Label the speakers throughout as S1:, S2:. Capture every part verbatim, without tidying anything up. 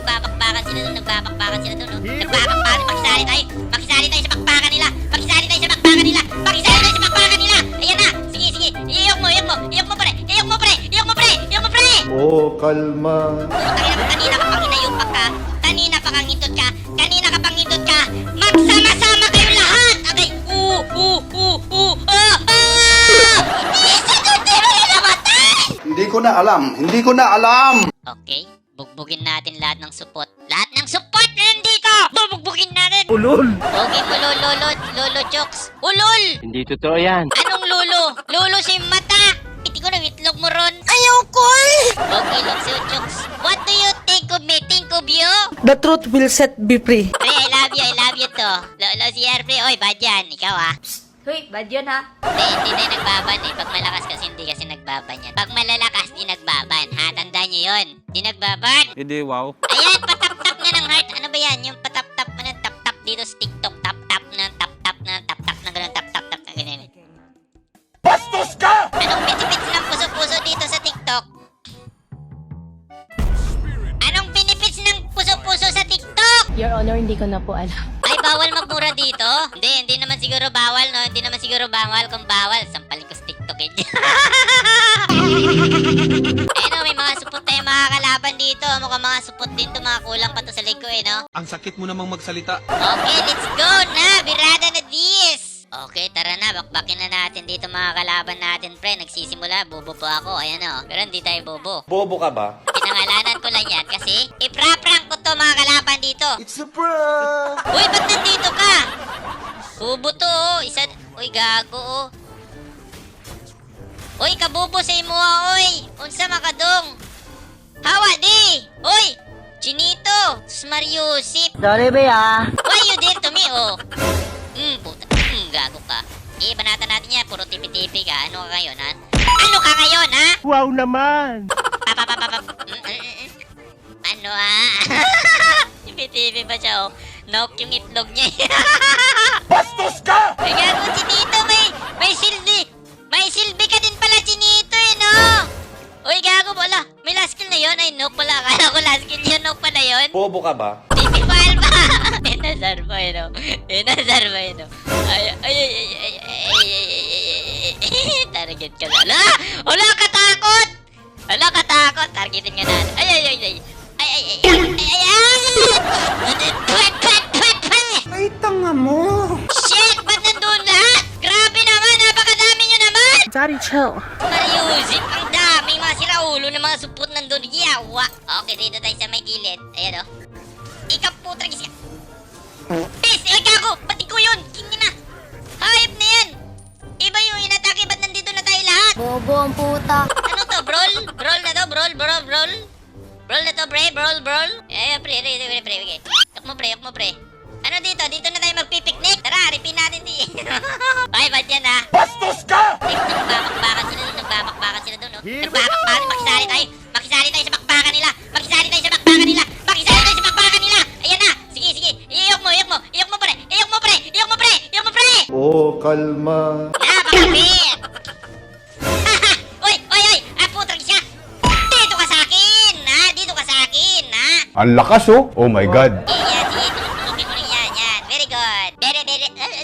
S1: nagbabakbakan sila doon, nagbabakbakan sila doon, no? Nagbabakbakan, makisali tayo, makisali tayo sa bakbakan nila, makisali tayo sa bakbakan nila, makisali tayo sa bakbakan nila. Ayan na, sige, sige, iyok mo, iyok mo, iyok mo pre, iyok mo pre, iyok mo pre, iyok mo pre.
S2: Oh, kalma.
S1: Kanina, kanina ka pang inayupak ka, kanina pa kang ngindot ka, kanina ka pang ngindot ka, magsama-sama kayo lahat. Okay, uh, uh, uh, uh, ah, ah! Isa doon, di mo na namatay.
S2: Hindi ko na alam. Hindi ko na alam.
S1: Okay, bugbugin natin lahat ng support. Lahat ng support na nandito! Bubugbugin natin!
S3: Ulol!
S1: Pogi mo, lolo, lolo, lolo, jokes. Ulol!
S3: Hindi totoo yan.
S1: Anong lolo? Lolo si mata! Piti ko na itlog mo ron. Ayaw ko eh! Pogi lang si jokes. What do you think of me? Think of you?
S4: The truth will set be free.
S1: Pre, I love you, I love you to. Lolo si Airplay. Oy, bad yan. Ikaw ah.
S5: Hoy, bad yun ha.
S1: Hindi, hindi tayo nagbaban eh. Pag malakas kasi, hindi kasi nagbaban yan. Pag malalakas, di nagbaban. Ha, tandaan nyo yun. Di nagbaban.
S3: Hindi, wow.
S1: Ayan, patap-tap nga ng heart. Ano ba yan? Yung patap-tap mo ng tap-tap dito sa TikTok. Tap-tap na, tap-tap na, tap-tap na gano'n, tap-tap-tap na ganyan.
S2: Bastos ka!
S1: Anong benefits ng puso-puso dito sa TikTok? Anong benefits ng puso-puso sa TikTok?
S5: Your Honor, hindi ko na po alam.
S1: Ay, bawal magmura dito? Hindi, hindi naman siguro bawal, no? Hindi naman siguro bawal. Kung bawal, sampalin ko sa TikTok eh. Eh, no, may mga supot tayo mga kalaban dito. Mukhang mga supot din to, mga kulang pa to sa leg ko eh, no?
S6: Ang sakit mo namang magsalita.
S1: Okay, let's go na! Birada na this! Okay, tara na. Bakbakin na natin dito mga kalaban natin, pre. Nagsisimula, bobo po ako. Ayan o. Pero hindi tayo bobo.
S2: Bobo ka ba?
S1: Pinangalanan ko lang yan kasi ipra-prank ko to mga kalaban dito.
S2: It's a prank!
S1: Uy, ba't nandito ka? Bobo to oh. Isa... Uy, gago oh. Uy, kabobo sa imo ah, uy. Unsa makadong? Hawa di! Uy! Chinito! Smariusip!
S4: Sorry ba ya?
S1: Why you dare to me, oh? Hmm, puta. Hmm, gago ka. Eh, banatan natin yan. Puro tipi-tipi ka. Ano ka ngayon, ha? Ano ka ngayon, ha?
S3: Wow naman!
S1: Papapapapap. Mm, mm, mm. Ano, ha? Tipi-tipi pa siya, oh. Nope yung itlog niya.
S2: Bastos ka!
S1: Ay, gago, Chinito. May, may silbi. May silbi ka din pala, Chinito, eh, no? Uy, gago, wala. May last kill na yun. Ay, nope pala. Akala ko last kill yun. Nope pala yun.
S2: Bobo ka ba?
S1: Tipipal ba? Inasar mo yun, oh. Inasar mo yun, oh. Ay, ay, ay, ay, ay, ay, ay, ay, ay, target ka na. Ala! Ala, katakot! Ala, katakot! Targetin nga natin. Ay, ay, ay, ay. Ay, ay, ay, ay, ay, ay! Pwet, pwet, pwet, pwet!
S4: Ay, tanga mo.
S1: Shit! Ba't nandun lahat? Grabe naman! Napakadami nyo naman!
S4: Sorry, chill.
S1: Mariusip, ang daming mga siraulo ng mga supot nandun. Yawa! Okay, dito tayo sa may gilid. Ayan, oh. Ikaw po, tragis ka. Pis! Ay, gago! Pati ko yun! Kingin na! Hayop na yan! Iba yung inatake. Ba't nandito na tayo lahat?
S5: Bobo ang puta.
S1: Ano to? Brawl? Brawl na to? Brawl? Brawl? Brawl? Brawl na to, pre? Brawl? Brawl? Eh, pre, pre, pre, pre, pre. Yak mo, pre, yak mo, pre. Ano dito? Dito na tayo magpipiknik. Tara, ripin natin di. Ay, ba't yan, ha?
S2: Bastos ka!
S1: Ay, nagbabakbakan sila doon. Nagbabakbakan sila doon, no? Nagbabakbakan. Makisali tayo. Makisali tayo sa bakbakan nila. Makisali tayo sa bakbakan nila. Makisali tayo sa bakbakan nila. Ayan na. Sige, sige. Iyok mo, iyok mo. Iyok mo, pre. Iyok mo, pre. Iyok mo, pre. Iyok mo, pre.
S2: Oh, kalma.
S1: Napakabit! Uy! Uy! Uy! Ah, putang siya! Dito ka sa akin! Ha? Dito ka sa akin! Ha?
S2: Ang lakas oh. Oh my God.
S1: Eh, yan. Sige, tutulungin mo rin yan. Yan. Very good. Very, very...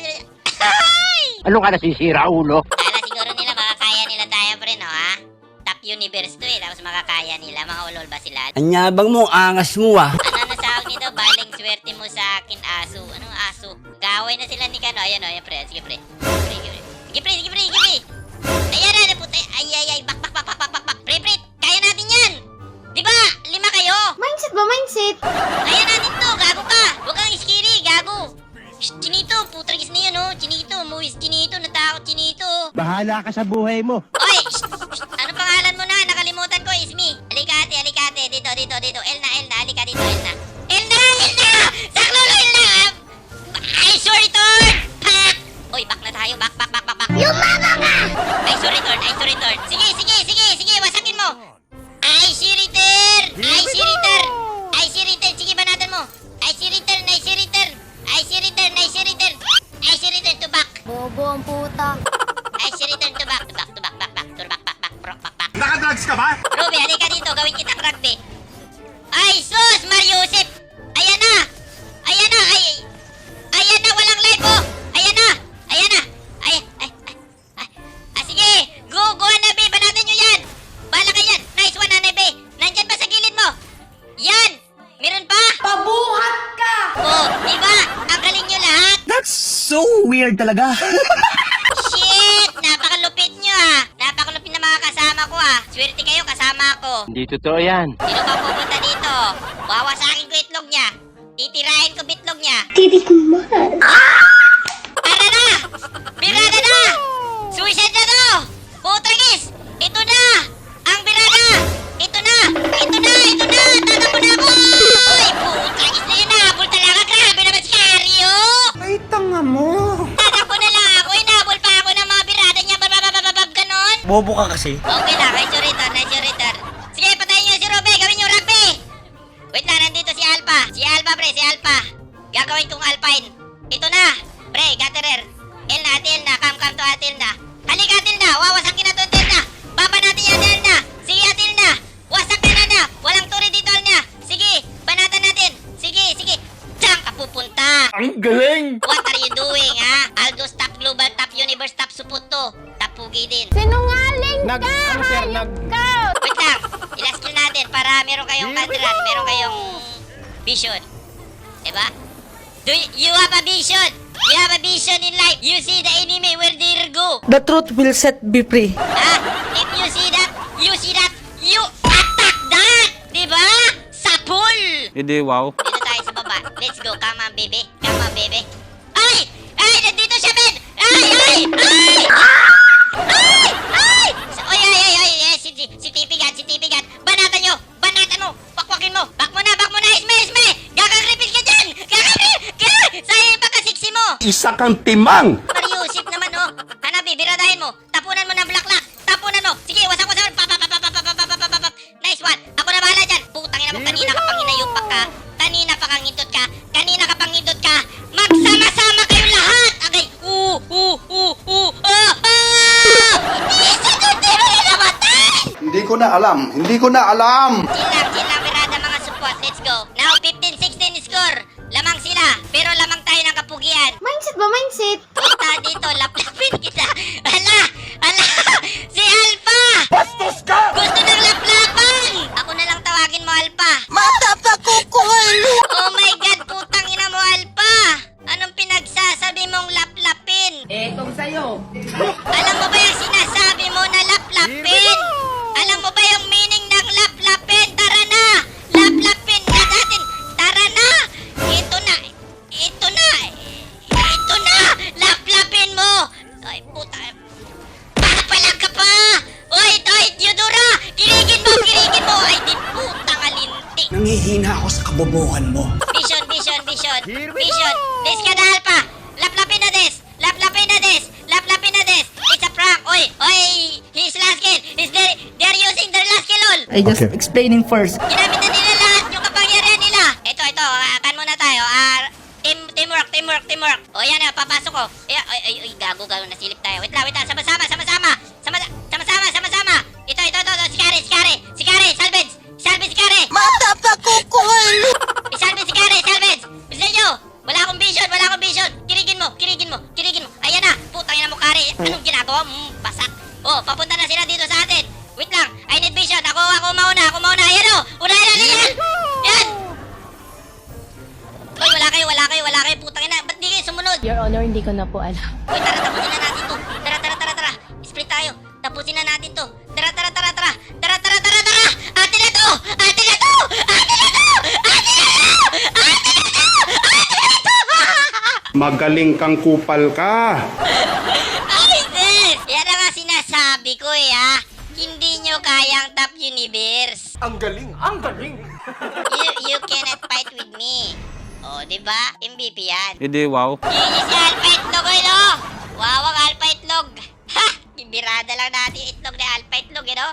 S1: Ay!
S3: Ano ka nasisira, ulo?
S1: Kala siguro nila makakaya nila tayo, pre, no, ha? Top universe to eh. Tapos makakaya nila. Mga ulol ba sila?
S4: Anyabang mo, angas mo ah.
S1: Ano na sa akin nito? Baling swerte mo sa akin, aso. Anong aso? Gaway na sila ni Kano. Ayan, o. Ayan, pre. Sige, pre. Sige, pre. Sige, pre. Sige, pre. Sige, pre. Ayan na, naputa. Ay, ay, ay. Bak, bak, bak, bak, bak, bak, bak. Pre, pre. Kaya natin yan. Di ba? Lima kayo.
S5: Mindset ba? Mindset?
S1: Kaya natin to. Gago ka. Huwag kang iskiri. Gago. Shh, Chinito. Putragis na yun, oh. Chinito. Muwis. Chinito. Natakot, Chinito.
S3: Bahala ka sa buhay mo.
S1: Oy! Shh, shh. Ano pangalan mo na? Nakalimutan ko. Ismi. Alikate, alikate. Dito, dito, dito. Elna, Elna. Alika dito, Elna. Elna! Elna! Saklolo, Elna! Ay, sorry, return! Pak! Uy, back na tayo. Back, back, back, back, back. Yung mama nga! Ay, sorry, return. Ay, sorry, return. Sige, sige, sige, sige. Wasakin mo. Ay, si return! Ay, si return! Ay, si return. Sige, banatan mo. Ay, si return. Ay, si return. Ay, si return. Ay, si return. Ay, si return to back.
S5: Bobo ang puta.
S1: Ay, si return to back. To back, to back, back, back. To back, back, back. Back, back, back.
S2: Nakadrugs ka ba?
S1: Ruby, halika dito. Gawin kitang rugby. Ay, sus! Mariusip!
S4: So weird talaga.
S1: Shit! Napakalupit nyo ah! Napakalupit na mga kasama ko ah! Swerte kayo, kasama ako!
S3: Hindi totoo yan.
S1: Sino ba pupunta dito? Wawasakin ko itlog niya! Titirahin ko bitlog niya!
S5: Titikman.
S1: Tara na! Birada na! Suicide na to! Putragis! Ito na! Ang birada! Ito na! Ito na! Ito na! Tatakbo na ako! Uy! Putragis na yun na! Habol talaga! Grabe naman si Carrie oh!
S4: Ay, tanga mo.
S1: Tatakbo na lang ako! Inabol pa ako ng mga birada niya! Bababababab ganon!
S4: Bobo ka kasi.
S1: Okay na, nice your return, nice your return. Sige, patayin niyo si Robe, gawin niyo rugby! Wait lang, nandito si Alpha. Si Alpha, pre, si Alpha. Gagawin kong Alpine. Ito na, pre, Gatterer. Elna, ate Elna, come, come to ate Elna. Halika, ate Elna, wawasakin na to ate Elna. Baba natin yan, ate Elna. Sige, ate Elna. Wasak na na na. Walang turi dito, Elna. Sige, banatan natin. Sige, sige. Diyan ka pupunta.
S2: Ang galing!
S1: What are you doing, ha? Aldos top global, top universe, top suputo. Top pugi din.
S5: Sinungaling
S3: Nag, ano sir, nag...
S1: Wait lang, ilas skill natin para meron kayong kadran, meron kayong vision. Diba? Do you, you have a vision? You have a vision in life. You see the enemy, where they go.
S4: The truth will set be free.
S1: Ha? If you see that, you see that, you attack that! Diba? Sa pool!
S3: Hindi, wow.
S1: Dito tayo sa baba. Let's go, come on baby. Come on baby. Ay! Ay! Nandito siya, Ben! Ay! Ay! Ay! Ay! Ay! Sa- Oy, ay, ay, ay, ay, si, si, si Tipigan, si Tipigan. Banatan nyo! Banatan mo! Pakwakin mo! Bak mo na! Bak mo na! Isme! Isme! Gagagripin ka dyan! Gagagripin! Gag! Sayang yung pagkasiksi mo!
S2: Isa kang timang!
S1: Mariusip naman, oh! Hanabi, biradahin mo! Tapunan mo ng blaklak! Tapunan mo! Sige, wasak wasak! Pa, pa, pa, pa, pa, pa, pa, pa, pa, pa, pa. Nice one! Ako na bahala dyan! Putang ina mo, kanina ka pang hinayupak ka! Kanina pa kang hindot ka! Kanina ka pang hindot ka! Magsama-sama kayong lahat! Agay! Uh! Uh! Uh! Uh! Ah! Ah! Isa doon! Di mo na namatay!
S2: Hindi ko na alam! Hindi ko na alam!
S1: Chill lang, chill lang, birada mga support. Let's go. Now, fifteen sixteen score. Lamang sila, pero lamang tayo ng kapugian.
S5: Mindset ba, mindset?
S1: Punta dito, laplapin kita. Hala! Hala! Si Alpha!
S2: Bastos ka!
S1: Gusto ng laplapan! Ako na lang tawagin mo, Alpha.
S4: Mata pa kukul.
S1: Oh my God, putang ina mo, Alpha! Anong pinagsasabi mong laplapin?
S4: Eh, kung sa'yo.
S1: Alam mo ba yung sinasabi mo na laplapin? Alam mo ba yung meaning ng laplapin? Tara na! Laplapin na natin! Tara na! Ito na! Ito na! Ito na! Laplapin mo! Ay, puta! Papalag ka pa! Oy, oy, Theodora! Kirigin mo! Kirigin mo! Ay, di putang alintik!
S4: Nangihina ako sa kabobohan mo.
S1: Vision, vision, vision! Vision! Des ka na, Alpha! Laplapin na, Des! Laplapin na, Des! Laplapin na, Des! It's a prank! Oy! Oy! His last kill! Is there, they're using their last kill all!
S4: I just explaining first.
S1: Ginamit na nila lahat yung kapangyarihan nila! Ito, ito, uh, kan muna tayo. Ah, team, teamwork, teamwork, teamwork. O yan na, papasok ko. Ay, ay, ay, ay, gago, gago, nasilip tayo. Wait lang, wait lang, sama-sama, sama-sama. Sama, sama-sama, sama-sama. Ito, ito, ito, ito, si Kare, si Kare, si Kare, salvage, salvage si Kare.
S4: Mata pa kukul.
S1: Isalvage si Kare, salvage. Bisa nyo, wala akong vision, wala akong vision. Kirigin mo, kirigin mo, kirigin mo. Ayan na, putang ina mo, Kare. Anong ginagawa? Mm, basak. Oh, papunta na sila dito sa atin. Wait lang, I need vision. Ako, ako mauna, ako mauna. Ayan o, unahin natin yan. Yan. Uy, wala kayo, wala kayo, wala kayo. Putang ina, ba't di kayo sumunod?
S5: Your Honor, hindi ko na po alam.
S1: Uy, tara, tapusin na natin to. Tara, tara, tara, tara. Split tayo. Tapusin na natin to. Tara, tara, tara, tara. Tara, tara, tara, tara. Atin na to! Atin na to! Atin na to! Atin na to! Atin na to! Atin na to!
S2: Magaling kang kupal ka!
S1: Ay, sis! Yan ang nga sinasabi ko eh, ha? Hindi nyo kayang top universe.
S2: Ang galing! Ang galing!
S1: You, you cannot fight with me. Oh, di ba? M V P yan.
S3: Hindi, wow.
S1: Yun si Alpha Itlog, oy, no? Wow, ang Alpha Itlog. Ha! Ibirada lang natin yung itlog ni Alpha Itlog, you know?